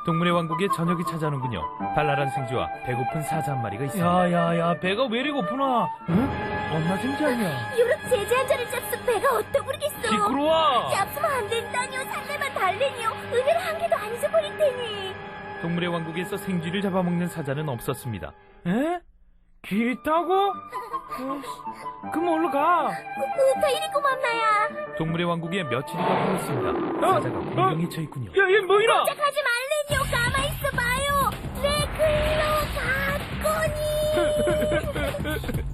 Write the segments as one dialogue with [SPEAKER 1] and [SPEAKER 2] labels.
[SPEAKER 1] 동물의 왕국에 저녁이 찾아오는군요. 발랄한 생쥐와 배고픈 사자 한 마리가 있습니다.
[SPEAKER 2] 야야야, 배가 왜 이리 고프나? 응? 엄마 생장이야.
[SPEAKER 3] 유럽 제재 한 잔을 잡수 배가 어떠 부르겠어.
[SPEAKER 2] 시끄러워.
[SPEAKER 3] 잡수면 안 된다뇨. 산내만 달래니요. 은혜를 한 개도 안 잊어버릴 테니.
[SPEAKER 1] 동물의 왕국에서 생쥐를 잡아먹는 사자는 없었습니다.
[SPEAKER 2] 에? 길 있다고? 그럼 얼른 가.
[SPEAKER 3] 다 이리 고맙나야.
[SPEAKER 1] 동물의 왕국에 며칠이 더 흘렀습니다. 사자가 공경에 처했군요.
[SPEAKER 2] 야, 얘 뭐이라?
[SPEAKER 3] 꼼짝하지 말래뇨. 가만히 있어봐요. 내 글로 갔거니.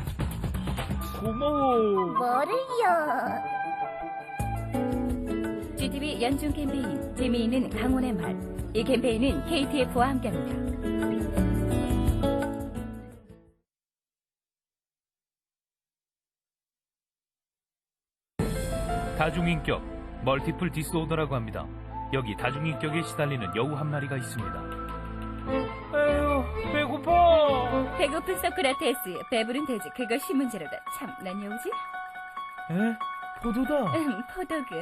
[SPEAKER 2] 고마워.
[SPEAKER 3] 뭐를요?
[SPEAKER 4] GTV 연중 캠페인 재미있는 강원의 말. 이 캠페인은 KTF와 함께합니다.
[SPEAKER 1] 다중인격, 멀티플 디스오더라고 합니다. 여기 다중인격에 시달리는 여우 한 마리가 있습니다.
[SPEAKER 2] 에휴, 배고파.
[SPEAKER 4] 배고픈 소크라테스, 배부른 돼지, 그것이 문제로다. 참, 난 여우지?
[SPEAKER 2] 에? 포도다.
[SPEAKER 4] 포도군.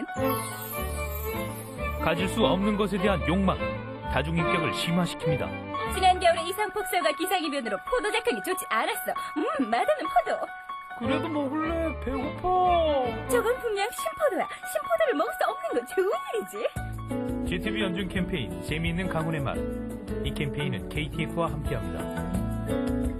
[SPEAKER 1] 가질 수 없는 것에 대한 욕망, 다중인격을 심화시킵니다.
[SPEAKER 4] 지난 겨울에 이상폭설과 기상이변으로 포도 작황이 좋지 않았어. 맛없는 포도.
[SPEAKER 2] 그래도 먹을래. 배고파.
[SPEAKER 4] 저건 분명 신포도야. 신포도를 먹을 수 없는 건 좋은 일이지.
[SPEAKER 1] GTV 연중 캠페인 재미있는 강원의 말. 이 캠페인은 KTF와 함께합니다.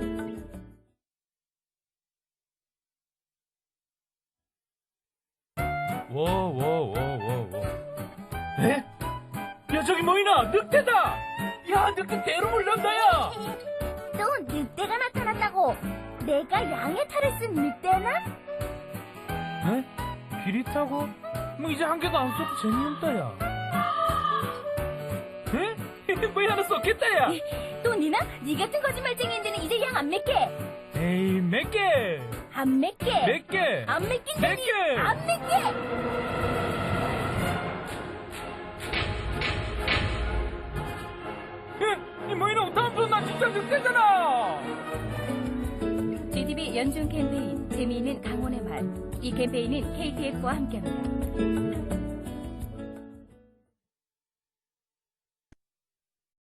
[SPEAKER 2] 에? 야, 저기 뭐이나? 늑대다. 야, 늑대 대로 물란다야.
[SPEAKER 3] 또 늑대가 나타났다고. 내가 양의 탈을 쓴 늑대나?
[SPEAKER 2] 에? 길 있다고? 뭐 이제 한 개도 안 써도 재미없다야. 에? 뭐 하나 썼겠다야.
[SPEAKER 3] 또 니나? 니 같은 거짓말쟁이인데는 이제 양 안 맺게.
[SPEAKER 2] 에이, 몇 개?
[SPEAKER 3] 안 맺게.
[SPEAKER 2] 몇 개?
[SPEAKER 3] 안
[SPEAKER 2] 몇
[SPEAKER 3] 맺긴다니.
[SPEAKER 2] 개?
[SPEAKER 3] 안 맺게.
[SPEAKER 2] 이 뭐이나 다음부터 나 진짜 늑대잖아.
[SPEAKER 4] GTV 연중 캠페인 재미있는 강원의 말. 이 캠페인은 KTF와 함께합니다.